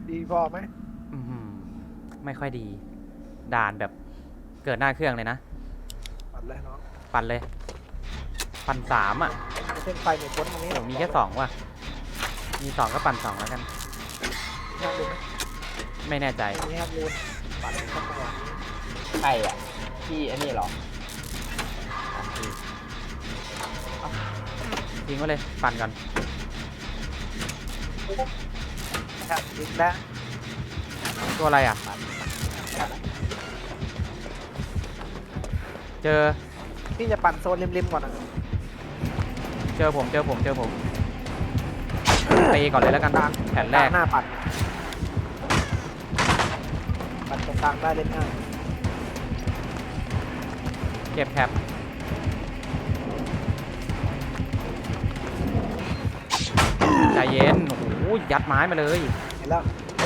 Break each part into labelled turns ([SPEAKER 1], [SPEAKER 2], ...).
[SPEAKER 1] ดีพอไหม
[SPEAKER 2] อื้อหือไม่ค่อยดี ด่านแบบเกิดหน้าเครื่องเลยนะ
[SPEAKER 1] ปัดเลยน้อง
[SPEAKER 2] ปั่นเลย ปั่น3อ่ะ
[SPEAKER 1] เส้นไฟในพ้นตรงนี้
[SPEAKER 2] โอ้มีแค่2ว่ะ มี2ก็ปั่น2แล้วกัน
[SPEAKER 1] ทางดูไหม
[SPEAKER 2] ไม่แน่ใจ
[SPEAKER 1] ตรงนี้ครับรูนปัดเข้าไป
[SPEAKER 3] ใช่อ่ะพี่อันนี้เหรอ
[SPEAKER 2] ทิ้งไว้เลย ปั่นก่อน
[SPEAKER 1] ครับอีกแล้ว
[SPEAKER 2] ตัวอะไรอ่ะ เจอ
[SPEAKER 1] พี่จะปั่นโซนริมๆก่อนนะ
[SPEAKER 2] เจอผมตีก่อนเลยแล้วกันแผ่นแรก
[SPEAKER 1] หน้าปั่นตรงกลางได้เล่นง่าย
[SPEAKER 2] เก็บแท็บใจเย็น โอ้โห ยัดไม้มาเลย
[SPEAKER 1] เห็นแล้ว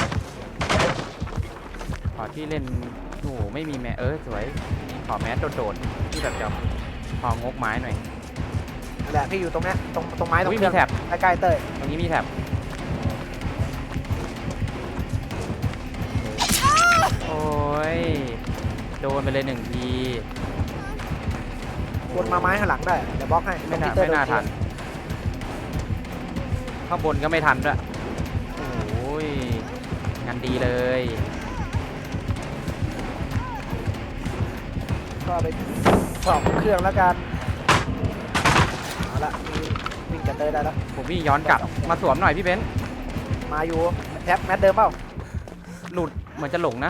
[SPEAKER 2] ขอที่เล่น โอ้โห ไม่มีแม่สวย ขอแมสโดดๆที่แบบจะพองกไม้หน่อย
[SPEAKER 1] นั่นแหละพี่อยู่ตรงเนี้ยตรงไม้ตรง
[SPEAKER 2] อุ๊ย
[SPEAKER 1] เครื่อง
[SPEAKER 2] มีแท็บ
[SPEAKER 1] ใกล้ๆเต้ย
[SPEAKER 2] ตรงนี้มีแท็บโอ้ย โดนไปเลย1 ที
[SPEAKER 1] วนมาไม้ข้างหลังได้เดี๋ยวบล็อกให้
[SPEAKER 2] ไม่น่า
[SPEAKER 1] ตรงที่เต้ย
[SPEAKER 2] ไม่น่า
[SPEAKER 1] โด
[SPEAKER 2] ทัน ข้างบนก็ไม่ทันด้วยโอ้ย งานดีเลย
[SPEAKER 1] ก็ไปสอบเครื่องแล้วกันเอาละวิ่งกับเต้ยได้แล้ว
[SPEAKER 2] ผมวิ่งย้อนกลับ มาสวมหน่อยพี่เบนซ์
[SPEAKER 1] มาอยู่แท็บแมทเดิมเปล่า
[SPEAKER 2] หลุดเหมือนจะหลงนะ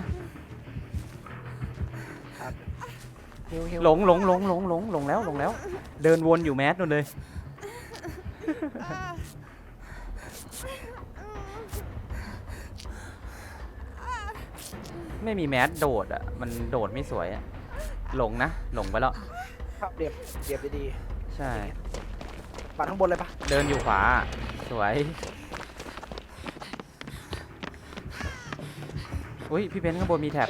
[SPEAKER 1] ฮิว
[SPEAKER 2] หลงแล้ว เดินวนอยู่แมสนู่นเลย ไม่มีแมสโดดอ่ะ มันโดดไม่สวยอ่ะ หลงไปแล้ว
[SPEAKER 1] ภาพเรียบดี
[SPEAKER 2] ใช่
[SPEAKER 1] ๆปัดข้างบนเลยปะ
[SPEAKER 2] เดินอยู่ขวา สวย อุ้ยพี่เบนซ์ข้างบนมีแท็บ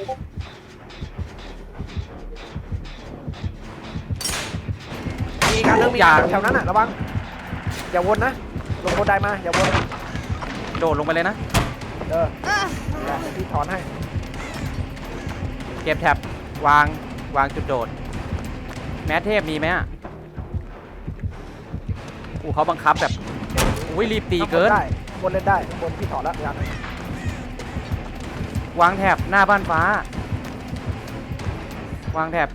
[SPEAKER 1] มีการเรื่องมี
[SPEAKER 2] อย่าง
[SPEAKER 1] แถวนั้นอ่ะระวังอย่าวนนะลงบนไดมาอย่าวน
[SPEAKER 2] โดดลงไปเลยนะ
[SPEAKER 1] เดี๋ยวพี่ถอนให้
[SPEAKER 2] เก็บแท็บวางจุดโดด แมสเทพมีไหมอ่ะเขาบังคับแบบอุ้ยรีบตีเกิน
[SPEAKER 1] ได้บนเล่นได้บนพี่ถอนแล้วยัง
[SPEAKER 2] วางแท็บหน้าบ้านฟ้า วางแท็บ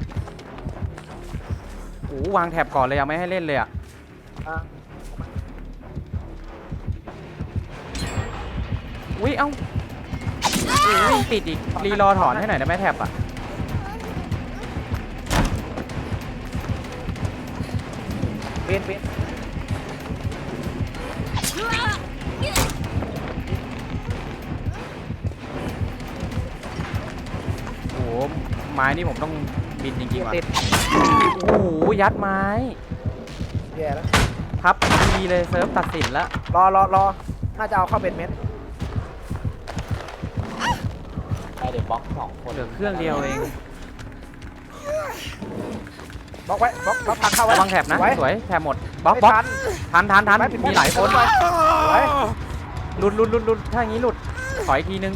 [SPEAKER 2] วางแท็บก่อนเลยยังไม่ให้เล่นเลยอ่ะ
[SPEAKER 1] อ่ะ
[SPEAKER 2] อุ้ยเอ้าวิ่งติดอีกรีรอถอนให้หน่อยได้ไหมแท็บอ่ะ
[SPEAKER 1] เวียน
[SPEAKER 2] โอ้โหไม้นี่ผมต้องบินจริงๆว่ะ
[SPEAKER 1] ติด
[SPEAKER 2] โอ้โหยัดไม้
[SPEAKER 1] แย่แล้ว
[SPEAKER 2] พับดีเลยเซิร์ฟตัดสินแล้ว
[SPEAKER 1] รอน่าจะเอาเข้าเป็นเม็ด
[SPEAKER 3] ไปเดี๋ยวบล็อก2 คน
[SPEAKER 2] เหลือเครื่องเดียวเอง
[SPEAKER 1] บล็อกไว้บล็อกทางเข้าไว้
[SPEAKER 2] ระวังแท็บนะ
[SPEAKER 1] ไว้
[SPEAKER 2] สวยแท็บหมดบล็อก
[SPEAKER 1] ไม่
[SPEAKER 2] บล็อก
[SPEAKER 1] ทัน
[SPEAKER 2] ทัน
[SPEAKER 1] ไว้
[SPEAKER 2] มีหลายคน
[SPEAKER 1] ไว้ไว้
[SPEAKER 2] หลุดถ้าอย่างนี้หลุดขออีกทีนึง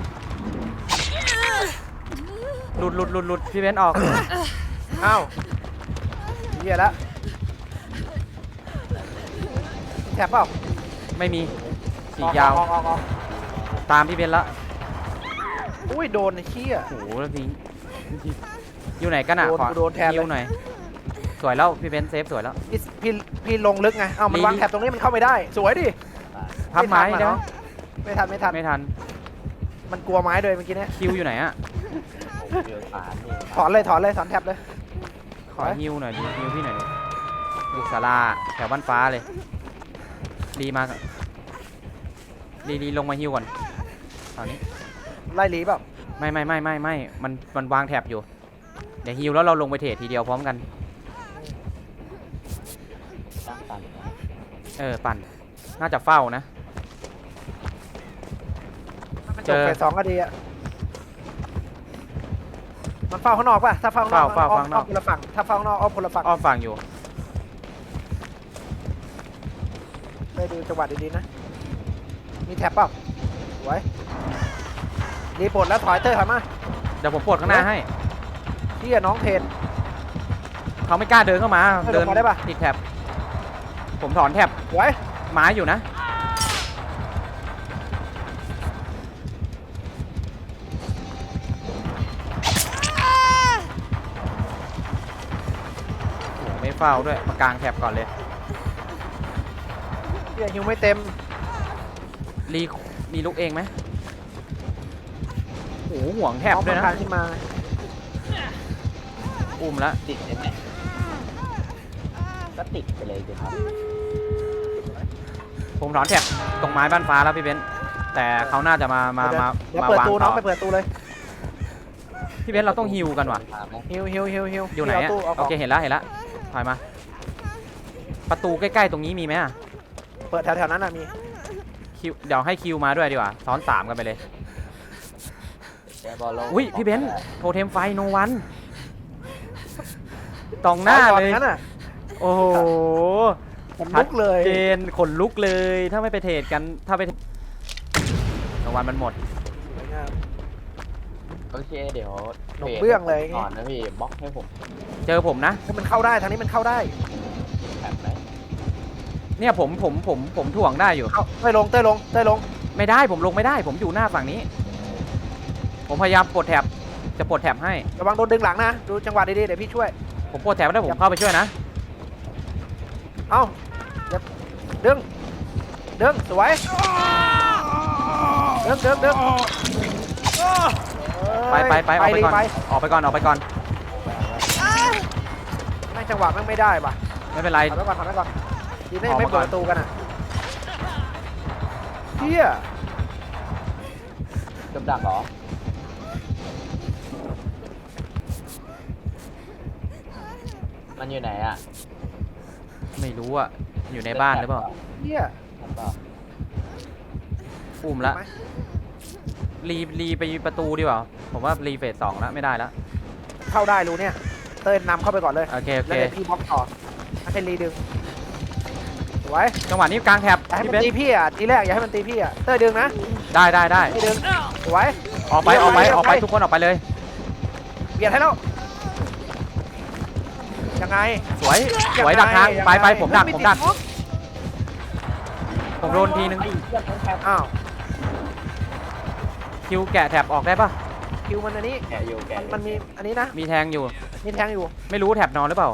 [SPEAKER 2] หลุดพี่เบนซ์ออก
[SPEAKER 1] อ้าวเหี้ยแล้วแถบเปล่า
[SPEAKER 2] ไม่มีสียาว
[SPEAKER 1] ออก
[SPEAKER 2] ตามพี่เบนซ์ละ
[SPEAKER 1] อุ้ยโดนไอ้เหี้ย
[SPEAKER 2] โอ้โหแล้วทิ้งอยู่ไหนกันอ่ะ
[SPEAKER 1] โดน
[SPEAKER 2] ขอ
[SPEAKER 1] โดนแทนเลย
[SPEAKER 2] ฮิวหน่อยสวยแล้วพี่เบนซ์เซฟสวยแล้ว
[SPEAKER 1] พี่ลงลึกไงเอ้ามันวางแถบตรงนี้มันเข้าไม่ได้สวยดิ
[SPEAKER 2] พับไม้
[SPEAKER 1] ไม่ทัน
[SPEAKER 2] ได้ไหม
[SPEAKER 1] เนอะ ไม่ทัน
[SPEAKER 2] ไม่ทัน
[SPEAKER 1] มันกลัวไม้เลยเมื่อกี้เนี้ย
[SPEAKER 2] คิวอยู่ไหนอ่ะ
[SPEAKER 3] ผมเจอฝานี่
[SPEAKER 1] ถอนเลยถอนแถบเลย
[SPEAKER 2] ขอฮิวหน่อยดิฮิวพี่หน่อยดิอยู่ศาลาแถวบ้านฟ้าเลยรีมารีลงมาฮิวก่อนตอนนี้
[SPEAKER 1] ไล่หลีเปล่า
[SPEAKER 2] ไม่มันวางแท็บอยู่เดี๋ยวฮิวแล้วเราลงไปเทรดทีเดียวพร้อมกัน
[SPEAKER 3] ตั้งตัน
[SPEAKER 2] ปั่นน่าจะเฝ้านะ
[SPEAKER 1] มันจบไป2ก็ดีอะมันเฝ้าข้างนอกป่ะถ้าเฝ้าข้างนอก
[SPEAKER 2] เฝ้าข้างนอก
[SPEAKER 1] คนละฝั่งถ้าเฝ้าข้างนอกอ้อมคนละฝั่ง
[SPEAKER 2] อ้อมฝั่งอยู่
[SPEAKER 1] ไปดูจังหวะดีๆนะมีแท็บเปล่าไว้ดีปลดแล้วถอยเตอร์ถอยมา
[SPEAKER 2] เดี๋ยวผมปลดข้างหน้าให้
[SPEAKER 1] เที่ยน้องเทน
[SPEAKER 2] เขาไม่กล้าเดินเข้ามา
[SPEAKER 1] เดินลงมาได้ปะ
[SPEAKER 2] ติดแท็บผมถอนแท็บ
[SPEAKER 1] ไว้
[SPEAKER 2] ไม้อยู่นะโอ้โหไม่เฝ้าด้วยมากางแท็บก่อนเลย
[SPEAKER 1] เที่ยฮิวไม่เต็ม
[SPEAKER 2] รีรีลุกเองไหมโอ้โหห่วงแท็บ
[SPEAKER 1] น้อง
[SPEAKER 2] ด้วย
[SPEAKER 1] มัน
[SPEAKER 2] นะ
[SPEAKER 1] คานขึ้นมา
[SPEAKER 2] อุ้มแล้ว
[SPEAKER 3] ติดใช่ไหมก็ติดไปเลยสิครับ
[SPEAKER 2] ผมถอนแท็บตรงไม้บ้านฟ้าแล้วพี่เบนซ์แต่เขาน่าจะมา
[SPEAKER 1] เดี๋ยว
[SPEAKER 2] มา
[SPEAKER 1] เปิด
[SPEAKER 2] วาง
[SPEAKER 1] ตู
[SPEAKER 2] ต่
[SPEAKER 1] น้อง
[SPEAKER 2] อ
[SPEAKER 1] ไปเปิดตูเลย
[SPEAKER 2] พี่เบนซ์เราต้องฮิวกันว่ะ
[SPEAKER 3] มาไหม
[SPEAKER 1] ฮิวฮิวฮิวฮิว
[SPEAKER 2] อยู่ไหน
[SPEAKER 1] เอา
[SPEAKER 2] อะ
[SPEAKER 1] ตู้เอาข
[SPEAKER 2] โอ
[SPEAKER 1] อง
[SPEAKER 2] เคเห็นแล้วถอยมา ประตูใกล้ๆตรงนี้มีไหมอะ
[SPEAKER 1] เปิดแถวๆนั้นน่ะมี
[SPEAKER 2] คิวเดี๋ยวให้คิวมาด้วยดีกว่าซ้อน3กันไปเลย
[SPEAKER 3] เดี๋ยวบอลลง
[SPEAKER 2] อุ้ยพี่เบนซ์โทเทมไฟโนวันตรงหน้า
[SPEAKER 1] ตอน
[SPEAKER 2] เลย
[SPEAKER 1] นั้นน่ะ
[SPEAKER 2] โอ้โห
[SPEAKER 1] ผมลุกเลย
[SPEAKER 2] เจนขนลุกเลยถ้าไม่ไปเทรดกันถ้าไปโนวันมันหมด
[SPEAKER 1] สวยงาม
[SPEAKER 3] โอเคเดี๋ยว
[SPEAKER 1] หนมเบื้องเลย
[SPEAKER 3] ก่อนนะพี่บล็อกให้ผม
[SPEAKER 2] เจอผมนะ
[SPEAKER 1] ให้มันเข้าได้ทางนี้มันเข้าได้
[SPEAKER 3] แถบไหม
[SPEAKER 2] เนี่ยผมถ่วงได้อยู่
[SPEAKER 1] เข้าเต้ยลงเต้ยลงเต้ยลง
[SPEAKER 2] ไม่ได้ผมลงไม่ได้ ผมอยู่หน้าฝั่งนี้ ผมพยายามปลดแท็บจะปลดแท็บให้
[SPEAKER 1] ระวังโดนดึงหลังนะดูจังหวะดีๆเดี๋ยวพี่ช่วย
[SPEAKER 2] ผมปลดแท็บแล้วผมเข้าไปช่วยนะ
[SPEAKER 1] เอ้าอย่าดึงดึงสวยดึงดึงดึง
[SPEAKER 2] ไปออกไปก่อน
[SPEAKER 1] ไป
[SPEAKER 2] ออกไปก่อน
[SPEAKER 1] แม่งจังหวะแม่งไม่ได้ป่ะ
[SPEAKER 2] ไม่เป็นไร
[SPEAKER 1] ถอยไปก่อนถอยไปก่อนดีนะ
[SPEAKER 2] ออก
[SPEAKER 1] ไม่
[SPEAKER 2] มาก่
[SPEAKER 1] เปิ
[SPEAKER 2] อ
[SPEAKER 1] ด
[SPEAKER 2] น
[SPEAKER 1] ประตูกันอ่ะเฮีย
[SPEAKER 3] กับดักเหรอมันอยู่ไหนอ่ะ
[SPEAKER 2] ไม่รู้อะอยู่ในบ้านหรือเปล่า
[SPEAKER 1] เฮีย
[SPEAKER 3] ใช่เปล่า
[SPEAKER 2] อุ้มละรีไปประตูดีกว่าผมว่ารีเฟส2แล้วไม่ได้แล้ว
[SPEAKER 1] เข้าได้รู้เนี่ยเต้ยนำเข้าไปก่อนเลย
[SPEAKER 2] โอเค
[SPEAKER 1] แล้วเดี๋ยวพี่บล็อกต่อให้เป็นรีดึงสวย
[SPEAKER 2] จังหวะนี้กลางแท็บ
[SPEAKER 1] อย่าให้
[SPEAKER 2] พี่
[SPEAKER 1] มัน
[SPEAKER 2] เบน
[SPEAKER 1] ตีพี่อ่ะทีแรกอย่าให้มันตีพี่อ่ะเต้ยดึงนะ
[SPEAKER 2] ได้
[SPEAKER 1] พี่ดึงสวย
[SPEAKER 2] ออกไปทุกคนออกไปเลย
[SPEAKER 1] เบียดให้แล้วยังไง
[SPEAKER 2] สวยดักทางไปผมดักผมโดนทีนึง
[SPEAKER 3] ไอ้เชือกแถบ
[SPEAKER 1] อ้าว
[SPEAKER 2] คิวแกะแท็บออกได้ปะ
[SPEAKER 1] คิวมันอันนี้
[SPEAKER 3] แกะอยู่แกะอยู่
[SPEAKER 1] มันมีอันนี้นะ
[SPEAKER 2] มีแทงอยู่
[SPEAKER 1] มีแทงอยู่
[SPEAKER 2] ไม่รู้แท็บนอนหรือเปล่า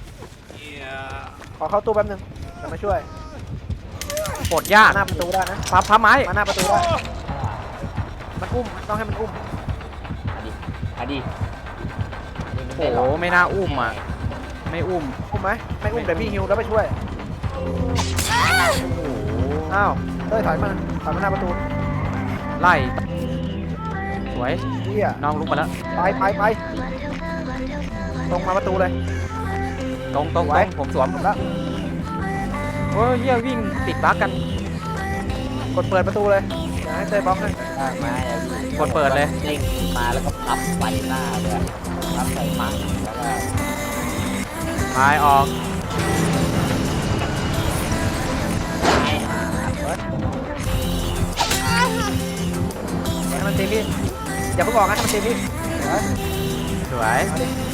[SPEAKER 1] ขอเข้าตู้แป๊บนึงจะมาช่วย
[SPEAKER 2] ปลดยาก
[SPEAKER 1] หน้าประตูได้นะ
[SPEAKER 2] พับไม้
[SPEAKER 1] มาหน้าประตูได้มันอุ้มต้องให้มันอุ้ม
[SPEAKER 3] มาดิ
[SPEAKER 2] โอ้โหไม่น่าอุ้มอ่ะไม่อุ้ม
[SPEAKER 1] อุ้มไหมไม่อุ้มเดี๋ยวพี่ฮิวแล้วไปช่วย
[SPEAKER 2] โอ้โห
[SPEAKER 1] อ้าวเต้ยถอยมาหน้าประตู
[SPEAKER 2] ไล่สวย
[SPEAKER 1] เฮีย
[SPEAKER 2] น้องลุกมาแล้ว
[SPEAKER 1] ไปตรงมาประตูเลย
[SPEAKER 2] ตรง
[SPEAKER 1] ไว้
[SPEAKER 2] ผมสวม
[SPEAKER 1] จบแล้ว
[SPEAKER 2] โอ้ยเฮียวิ่งติดบั๊กกัน
[SPEAKER 1] กดเปิดประตูเลยอย่าให้เต้ยบล็อกให้
[SPEAKER 3] มา
[SPEAKER 2] กดเปิดเลย
[SPEAKER 3] เด้งมาแล้วก็พับใส่หน้าเลยพับใส่ปังแล้วก็
[SPEAKER 2] พายออก
[SPEAKER 1] อย่าให้มันตีพี่อย่าเพิ่งออกนะให้มันตีพี่
[SPEAKER 2] สวย
[SPEAKER 1] เอาดิ